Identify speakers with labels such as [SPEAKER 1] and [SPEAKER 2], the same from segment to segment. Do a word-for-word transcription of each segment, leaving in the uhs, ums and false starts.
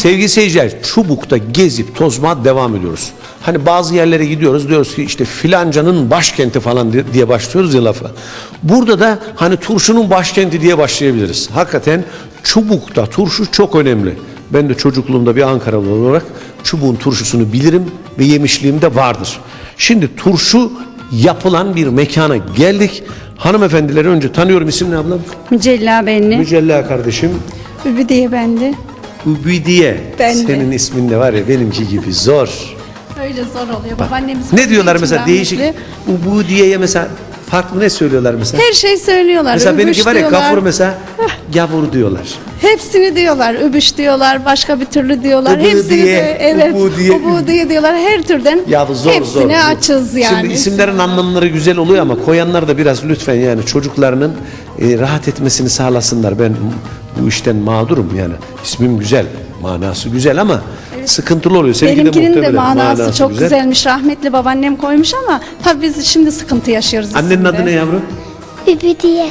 [SPEAKER 1] Sevgili seyirciler, Çubuk'ta gezip tozma devam ediyoruz. Hani bazı yerlere gidiyoruz, diyoruz ki işte filancanın başkenti falan diye başlıyoruz ya lafa. Burada da hani turşunun başkenti diye başlayabiliriz. Hakikaten Çubuk'ta turşu çok önemli. Ben de çocukluğumda bir Ankaralı olarak Çubuk'un turşusunu bilirim ve yemişliğim de vardır. Şimdi turşu yapılan bir mekana geldik. Hanımefendileri önce tanıyorum. İsim ne ablam?
[SPEAKER 2] Mücella Benli.
[SPEAKER 1] Mücella kardeşim.
[SPEAKER 2] Übüdiye bende.
[SPEAKER 1] Übüdiye.
[SPEAKER 2] Ben de.
[SPEAKER 1] Senin ismin de var ya benimki gibi zor.
[SPEAKER 2] Öyle zor oluyor. Babaannemiz
[SPEAKER 1] Ne diyorlar mesela
[SPEAKER 2] rahmetli.
[SPEAKER 1] değişik Übüdiye'ye mesela farklı ne söylüyorlar mesela?
[SPEAKER 2] Her şey söylüyorlar.
[SPEAKER 1] Mesela
[SPEAKER 2] Übüş
[SPEAKER 1] benimki var ya
[SPEAKER 2] diyorlar.
[SPEAKER 1] gafur mesela gavur diyorlar.
[SPEAKER 2] Hepsini diyorlar. Übüş diyorlar. Başka bir türlü diyorlar.
[SPEAKER 1] Übüdiye,
[SPEAKER 2] Hepsini de evet.
[SPEAKER 1] Übüdiye.
[SPEAKER 2] Übüdiye diyorlar. Her türden
[SPEAKER 1] Ya bu zor
[SPEAKER 2] hepsine
[SPEAKER 1] zor.
[SPEAKER 2] açız yani.
[SPEAKER 1] Şimdi isimlerin anlamları güzel oluyor ama koyanlar da biraz lütfen yani çocuklarının e, rahat etmesini sağlasınlar. Ben bu işten mağdurum yani. İsmim güzel, manası güzel ama sıkıntılı oluyor. Seninki
[SPEAKER 2] Benimkinin de
[SPEAKER 1] muhtemelen
[SPEAKER 2] manası, çok güzel. güzelmiş. Rahmetli babaannem koymuş ama tabii biz şimdi sıkıntı yaşıyoruz.
[SPEAKER 1] Annenin
[SPEAKER 2] isimde.
[SPEAKER 1] adı ne yavrum?
[SPEAKER 3] Übüdiye.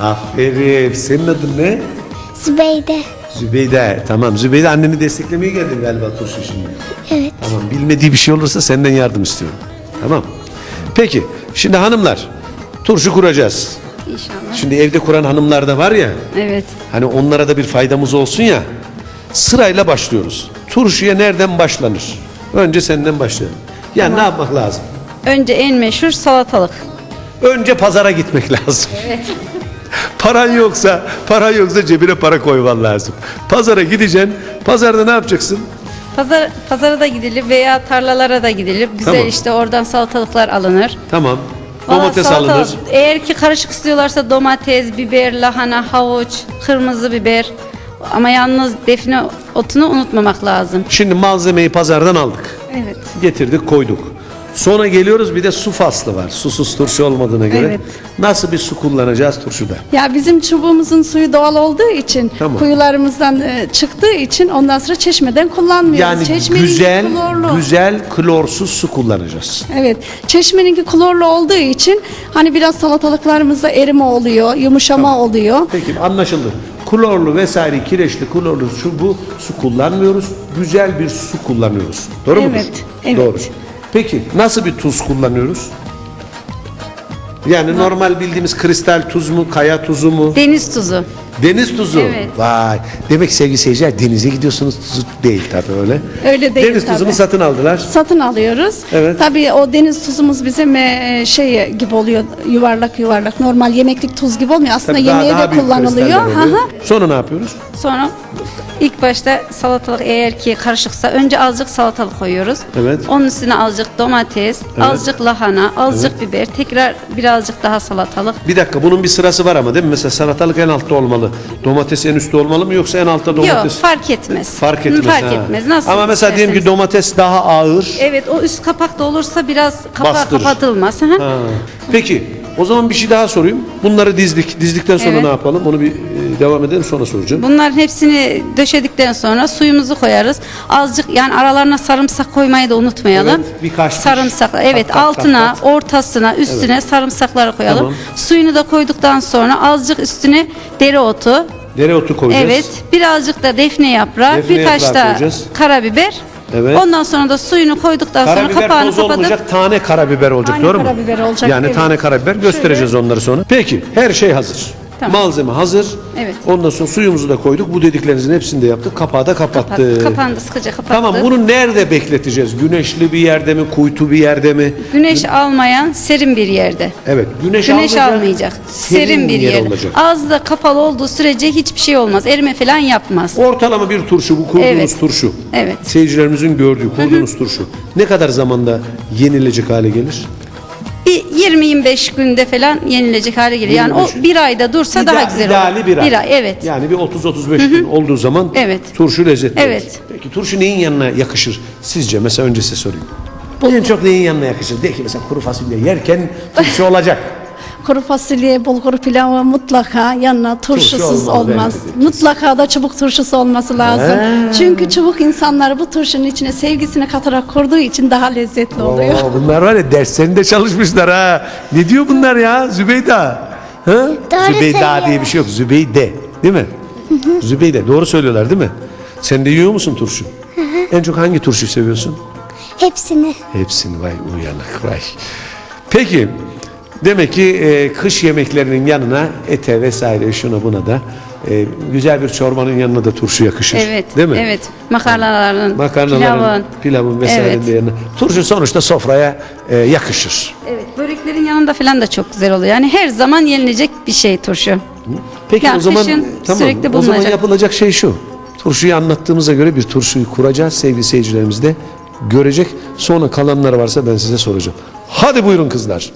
[SPEAKER 1] Aferin. Senin adın ne?
[SPEAKER 3] Zübeyde.
[SPEAKER 1] Zübeyde. Tamam. Zübeyde anneni desteklemeye geldin galiba turşu şimdi.
[SPEAKER 3] Evet.
[SPEAKER 1] Tamam. Bilmediği bir şey olursa senden yardım istiyorum. Tamam. Peki. Şimdi hanımlar turşu kuracağız.
[SPEAKER 2] İnşallah.
[SPEAKER 1] Şimdi evde kuran hanımlar da var ya.
[SPEAKER 2] Evet.
[SPEAKER 1] Hani onlara da bir faydamız olsun ya. Sırayla başlıyoruz. Turşuya nereden başlanır? Önce senden başlayalım. Yani ne yapmak lazım?
[SPEAKER 2] Önce en meşhur salatalık.
[SPEAKER 1] Önce pazara gitmek lazım.
[SPEAKER 2] Evet.
[SPEAKER 1] Paran yoksa, paran yoksa cebine para koyman lazım. Pazara gideceksin. Pazarda ne yapacaksın?
[SPEAKER 2] Pazar, pazara da gidilir veya tarlalara da gidilir. Güzel
[SPEAKER 1] Tamam.
[SPEAKER 2] işte oradan salatalıklar alınır.
[SPEAKER 1] Tamam.
[SPEAKER 2] Valla
[SPEAKER 1] Domates
[SPEAKER 2] salatalık,
[SPEAKER 1] alınır.
[SPEAKER 2] Eğer ki karışık istiyorlarsa domates, biber, lahana, havuç, kırmızı biber. Ama yalnız defne otunu unutmamak lazım.
[SPEAKER 1] Şimdi malzemeyi pazardan aldık.
[SPEAKER 2] Evet.
[SPEAKER 1] Getirdik, koyduk. Sonra geliyoruz bir de su faslı var. Susuz turşu olmadığına göre.
[SPEAKER 2] Evet.
[SPEAKER 1] Nasıl bir su kullanacağız turşuda?
[SPEAKER 2] Ya bizim çubuğumuzun suyu doğal olduğu için,
[SPEAKER 1] Tamam.
[SPEAKER 2] kuyularımızdan e, çıktığı için ondan sonra çeşmeden kullanmıyoruz.
[SPEAKER 1] Yani
[SPEAKER 2] Çeşmeninki
[SPEAKER 1] güzel,
[SPEAKER 2] klorlu.
[SPEAKER 1] güzel klorsuz su kullanacağız.
[SPEAKER 2] Evet. Çeşmeninki klorlu olduğu için hani biraz salatalıklarımızda erime oluyor, yumuşama oluyor.
[SPEAKER 1] Peki anlaşıldı. Klorlu vesaire kireçli klorlu şu bu su kullanmıyoruz. Güzel bir su kullanıyoruz. Doğru mudur?
[SPEAKER 2] Evet, evet.
[SPEAKER 1] Doğru. Peki nasıl bir tuz kullanıyoruz? Yani normal bildiğimiz kristal tuz mu, kaya tuzu mu?
[SPEAKER 2] Deniz tuzu.
[SPEAKER 1] Deniz tuzu.
[SPEAKER 2] Evet.
[SPEAKER 1] Vay. Demek ki sevgili seyirciler denize gidiyorsunuz tuzu değil tabii öyle.
[SPEAKER 2] Öyle değil
[SPEAKER 1] Deniz
[SPEAKER 2] tabii.
[SPEAKER 1] tuzunu satın aldılar.
[SPEAKER 2] Satın alıyoruz.
[SPEAKER 1] Evet.
[SPEAKER 2] Tabii o deniz tuzumuz bizim e, şey gibi oluyor, yuvarlak yuvarlak. Normal yemeklik tuz gibi olmuyor. Aslında
[SPEAKER 1] Tabii daha-
[SPEAKER 2] yemeğe
[SPEAKER 1] daha
[SPEAKER 2] de
[SPEAKER 1] büyük
[SPEAKER 2] kullanılıyor.
[SPEAKER 1] kristaller oluyor.
[SPEAKER 2] Hı hı.
[SPEAKER 1] Sonra ne yapıyoruz?
[SPEAKER 2] Sonra ilk başta salatalık eğer ki karışıksa önce azıcık salatalık koyuyoruz.
[SPEAKER 1] Evet.
[SPEAKER 2] Onun üstüne azıcık domates, azıcık lahana, azıcık biber, tekrar birazcık daha salatalık.
[SPEAKER 1] Bir dakika bunun bir sırası var ama değil mi? Mesela salatalık en altta olmalı. Domates en üstte olmalı mı yoksa en altta domates?
[SPEAKER 2] Yok, fark etmez.
[SPEAKER 1] Fark etmez.
[SPEAKER 2] Fark
[SPEAKER 1] ha.
[SPEAKER 2] etmez. Nasıl
[SPEAKER 1] Ama mesela diyelim ki
[SPEAKER 2] isterseniz.
[SPEAKER 1] domates daha ağır.
[SPEAKER 2] Evet, o üst kapak da olursa biraz kapağı
[SPEAKER 1] Bastırır.
[SPEAKER 2] kapatılmaz. Hı hı.
[SPEAKER 1] Ha. Peki o zaman bir şey daha sorayım. Bunları dizdik. Dizdikten sonra
[SPEAKER 2] Evet.
[SPEAKER 1] ne yapalım? Onu bir e, devam edelim sonra soracağım.
[SPEAKER 2] Bunların hepsini döşedikten sonra suyumuzu koyarız. Azıcık yani aralarına sarımsak koymayı da unutmayalım.
[SPEAKER 1] Evet, birkaç diş.
[SPEAKER 2] sarımsak. Evet,
[SPEAKER 1] Kat, kat,
[SPEAKER 2] altına,
[SPEAKER 1] kat, kat.
[SPEAKER 2] ortasına, üstüne sarımsakları koyalım.
[SPEAKER 1] Tamam.
[SPEAKER 2] Suyunu da koyduktan sonra azıcık üstüne dereotu.
[SPEAKER 1] Dereotu koyacağız.
[SPEAKER 2] Evet, birazcık da defne yaprağı,
[SPEAKER 1] Defne
[SPEAKER 2] birkaç
[SPEAKER 1] yaprağı
[SPEAKER 2] da
[SPEAKER 1] koyacağız.
[SPEAKER 2] karabiber.
[SPEAKER 1] Evet.
[SPEAKER 2] Ondan sonra da suyunu koyduktan sonra
[SPEAKER 1] Karabiber
[SPEAKER 2] kapağını
[SPEAKER 1] toz
[SPEAKER 2] kapatıp
[SPEAKER 1] olmayacak, tane karabiber olacak
[SPEAKER 2] Tane
[SPEAKER 1] doğru mu?
[SPEAKER 2] karabiber olacak,
[SPEAKER 1] Yani
[SPEAKER 2] evet.
[SPEAKER 1] tane karabiber göstereceğiz onları sonra. Peki her şey hazır.
[SPEAKER 2] Tamam.
[SPEAKER 1] Malzeme hazır.
[SPEAKER 2] Evet.
[SPEAKER 1] Ondan sonra suyumuzu da koyduk. Bu dediklerinizin hepsini de yaptık. Kapağı da kapattık.
[SPEAKER 2] Kapat- kapağını da sıkıca kapattık.
[SPEAKER 1] Tamam bunu nerede bekleteceğiz? Güneşli bir yerde mi? Kuytu bir yerde mi?
[SPEAKER 2] Güneş almayan serin bir yerde.
[SPEAKER 1] Evet. Güneş,
[SPEAKER 2] Güneş
[SPEAKER 1] almayacak.
[SPEAKER 2] almayacak. Serin, bir
[SPEAKER 1] yer
[SPEAKER 2] yerde.
[SPEAKER 1] olacak.
[SPEAKER 2] Ağzı da kapalı olduğu sürece hiçbir şey olmaz. Erime falan yapmaz.
[SPEAKER 1] Ortalama bir turşu bu kurduğunuz
[SPEAKER 2] Evet.
[SPEAKER 1] turşu.
[SPEAKER 2] Evet.
[SPEAKER 1] Seyircilerimizin gördüğü kurduğunuz turşu. Ne kadar zamanda yenilecek hale gelir?
[SPEAKER 2] Bir yirmi yirmi beş günde falan yenilecek hale gelir. Yani
[SPEAKER 1] yirmi beş
[SPEAKER 2] o bir ayda dursa daha
[SPEAKER 1] İda-
[SPEAKER 2] güzel olur.
[SPEAKER 1] ideali bir ay.
[SPEAKER 2] Bir ay, evet.
[SPEAKER 1] Yani bir otuz otuz beş gün olduğu zaman
[SPEAKER 2] Evet.
[SPEAKER 1] turşu lezzetli
[SPEAKER 2] Evet.
[SPEAKER 1] olur. Peki turşu neyin yanına yakışır sizce? Mesela önce size sorayım. En çok neyin yanına yakışır? De ki mesela kuru fasulye yerken turşu olacak.
[SPEAKER 2] Kuru fasulye, bulgur pilavı mutlaka yanına turşusuz
[SPEAKER 1] olmaz,
[SPEAKER 2] olmaz.
[SPEAKER 1] evet.
[SPEAKER 2] Mutlaka da çubuk turşusu olması lazım.
[SPEAKER 1] Ha.
[SPEAKER 2] Çünkü çubuk insanları bu turşunun içine sevgisini katarak kurduğu için daha lezzetli oluyor.
[SPEAKER 1] Oo, bunlar var ya derslerinde çalışmışlar ha. Ne diyor bunlar ya Zübeyda? Ha?
[SPEAKER 3] Doğru
[SPEAKER 1] Zübeyda
[SPEAKER 3] söylüyor.
[SPEAKER 1] diye bir şey yok. Zübeyde değil mi? Zübeyde doğru söylüyorlar değil mi? Sen de yiyor musun turşu? En çok hangi turşuyu seviyorsun?
[SPEAKER 3] Hepsini.
[SPEAKER 1] Hepsini, vay uyanık vay. Peki demek ki e, kış yemeklerinin yanına ete vesaire şuna buna da e, güzel bir çorbanın yanına da turşu yakışır.
[SPEAKER 2] Evet.
[SPEAKER 1] Değil mi?
[SPEAKER 2] Evet. Makarnaların,
[SPEAKER 1] Makarnaların,
[SPEAKER 2] pilavın.
[SPEAKER 1] pilavın vesairenin
[SPEAKER 2] Evet.
[SPEAKER 1] de yanına. Turşu sonuçta sofraya e, yakışır.
[SPEAKER 2] Evet. Böreklerin yanında falan da çok güzel oluyor. Yani her zaman yenilecek bir şey turşu.
[SPEAKER 1] Peki
[SPEAKER 2] Yani
[SPEAKER 1] o zaman
[SPEAKER 2] kışın
[SPEAKER 1] tamam.
[SPEAKER 2] sürekli
[SPEAKER 1] O zaman
[SPEAKER 2] bulunacak.
[SPEAKER 1] yapılacak şey şu. Turşuyu anlattığımıza göre bir turşuyu kuracağız. Sevgili seyircilerimiz de görecek. Sonra kalanları varsa ben size soracağım. Hadi buyurun kızlar.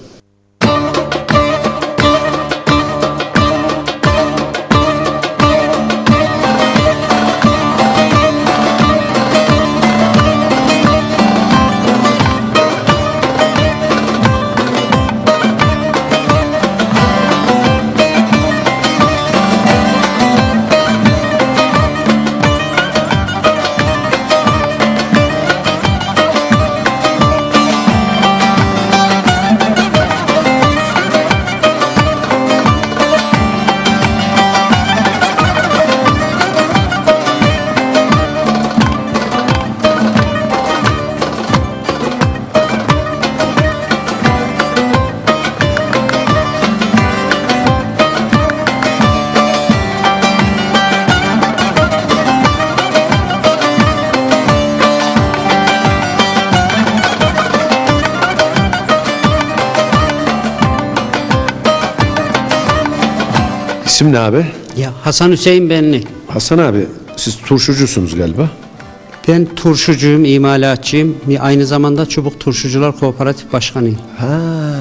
[SPEAKER 1] İsim ne abi?
[SPEAKER 4] Ya Hasan Hüseyin Benli.
[SPEAKER 1] Hasan abi siz turşucusunuz galiba.
[SPEAKER 4] Ben turşucuyum, imalatçıyım. Aynı zamanda Çubuk Turşucular Kooperatif Başkanıyım.
[SPEAKER 1] Ha,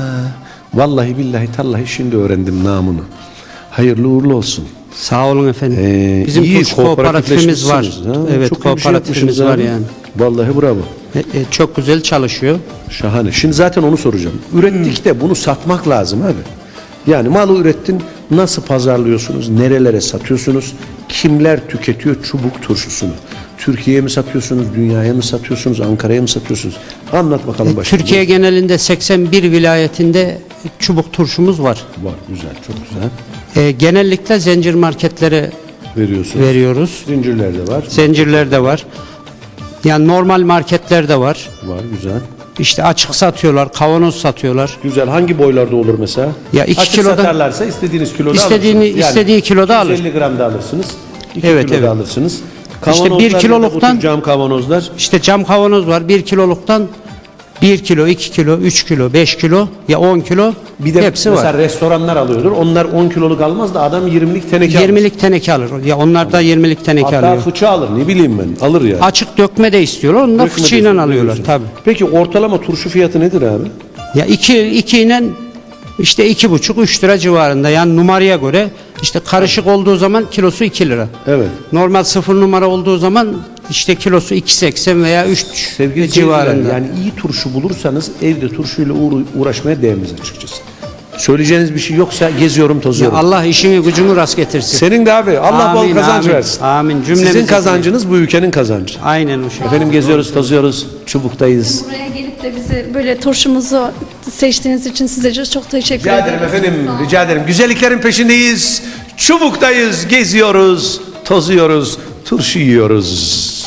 [SPEAKER 1] vallahi billahi tallahi şimdi öğrendim namını. Hayırlı uğurlu olsun.
[SPEAKER 4] Sağ olun efendim.
[SPEAKER 1] Ee,
[SPEAKER 4] Bizim
[SPEAKER 1] iyi
[SPEAKER 4] turşu kooperatifimiz var.
[SPEAKER 1] kooperatifleşmişsiniz, ha.
[SPEAKER 4] Evet,
[SPEAKER 1] Çok iyi bir şey
[SPEAKER 4] kooperatifimiz
[SPEAKER 1] yapmışsınız
[SPEAKER 4] var
[SPEAKER 1] abi.
[SPEAKER 4] yani.
[SPEAKER 1] Vallahi bravo.
[SPEAKER 4] E, e, çok güzel çalışıyor.
[SPEAKER 1] Şahane. Şimdi zaten onu soracağım. Ürettik de bunu satmak lazım abi. Yani malı ürettin, nasıl pazarlıyorsunuz, nerelere satıyorsunuz, kimler tüketiyor çubuk turşusunu? Türkiye'ye mi satıyorsunuz, dünyaya mı satıyorsunuz, Ankara'ya mı satıyorsunuz? Anlat bakalım başka.
[SPEAKER 4] Türkiye genelinde seksen bir vilayetinde çubuk turşumuz var.
[SPEAKER 1] Var, güzel, çok güzel.
[SPEAKER 4] E, genellikle zincir marketlere
[SPEAKER 1] Veriyorsunuz.
[SPEAKER 4] veriyoruz.
[SPEAKER 1] Zincirlerde var.
[SPEAKER 4] Zincirlerde var. Yani normal marketlerde var.
[SPEAKER 1] Var, güzel.
[SPEAKER 4] İşte açık satıyorlar, kavanoz satıyorlar.
[SPEAKER 1] Güzel. Hangi boylarda olur mesela?
[SPEAKER 4] Ya iki
[SPEAKER 1] Açık
[SPEAKER 4] kiloda-
[SPEAKER 1] satarlarsa istediğiniz kiloda
[SPEAKER 4] İstediğini-
[SPEAKER 1] alırsınız.
[SPEAKER 4] istediği kiloda alır.
[SPEAKER 1] yüz elli gram da alırsınız. iki
[SPEAKER 4] Evet,
[SPEAKER 1] kilo da
[SPEAKER 4] evet.
[SPEAKER 1] alırsınız.
[SPEAKER 4] İşte bir
[SPEAKER 1] Kavanozlar
[SPEAKER 4] kiloluktan-
[SPEAKER 1] da bu tür cam kavanozlar.
[SPEAKER 4] İşte cam kavanoz var. Bir kiloluktan bir kilo, iki kilo, üç kilo, beş kilo ya on kilo
[SPEAKER 1] Bir de
[SPEAKER 4] hepsi
[SPEAKER 1] mesela
[SPEAKER 4] var.
[SPEAKER 1] restoranlar alıyordur. Onlar on kiloluk almaz da adam yirmilik teneke alır.
[SPEAKER 4] yirmilik teneke alır. Ya onlar da yirmilik teneke
[SPEAKER 1] Hatta
[SPEAKER 4] alıyor.
[SPEAKER 1] fıçı alır, ne bileyim ben. Alır yani.
[SPEAKER 4] Açık dökme de istiyorlar. Onu da
[SPEAKER 1] Dökme
[SPEAKER 4] fıçıyla
[SPEAKER 1] diyorsun,
[SPEAKER 4] alıyorlar
[SPEAKER 1] diyorsun.
[SPEAKER 4] tabi.
[SPEAKER 1] Peki ortalama turşu fiyatı nedir abi?
[SPEAKER 4] Ya iki, iki ile işte iki buçuk, üç lira civarında. Yani numaraya göre işte karışık olduğu zaman kilosu iki lira.
[SPEAKER 1] Evet.
[SPEAKER 4] Normal sıfır numara olduğu zaman işte kilosu iki seksen veya üç
[SPEAKER 1] Sevgili
[SPEAKER 4] civarında.
[SPEAKER 1] seyirciler, yani iyi turşu bulursanız evde turşuyla uğra- uğraşmaya değmez açıkçası. Söyleyeceğiniz bir şey yoksa geziyorum,
[SPEAKER 4] Ya
[SPEAKER 1] tozuyorum.
[SPEAKER 4] Allah işini gücünü rast getirsin.
[SPEAKER 1] Senin de abi Allah
[SPEAKER 4] Amin,
[SPEAKER 1] bol kazanç
[SPEAKER 4] amin,
[SPEAKER 1] versin.
[SPEAKER 4] amin.
[SPEAKER 1] Sizin
[SPEAKER 4] Cümlemize-
[SPEAKER 1] kazancınız bu ülkenin kazancı.
[SPEAKER 4] Aynen o şey.
[SPEAKER 1] Efendim geziyoruz, tozuyoruz, çubuktayız.
[SPEAKER 5] Buraya gelip de bizi böyle turşumuzu seçtiğiniz için size çok teşekkür
[SPEAKER 1] Rica
[SPEAKER 5] ederim.
[SPEAKER 1] ederim efendim, rica ederim. Güzelliklerin peşindeyiz, çubuktayız, geziyoruz, tozuyoruz, turşu yiyoruz.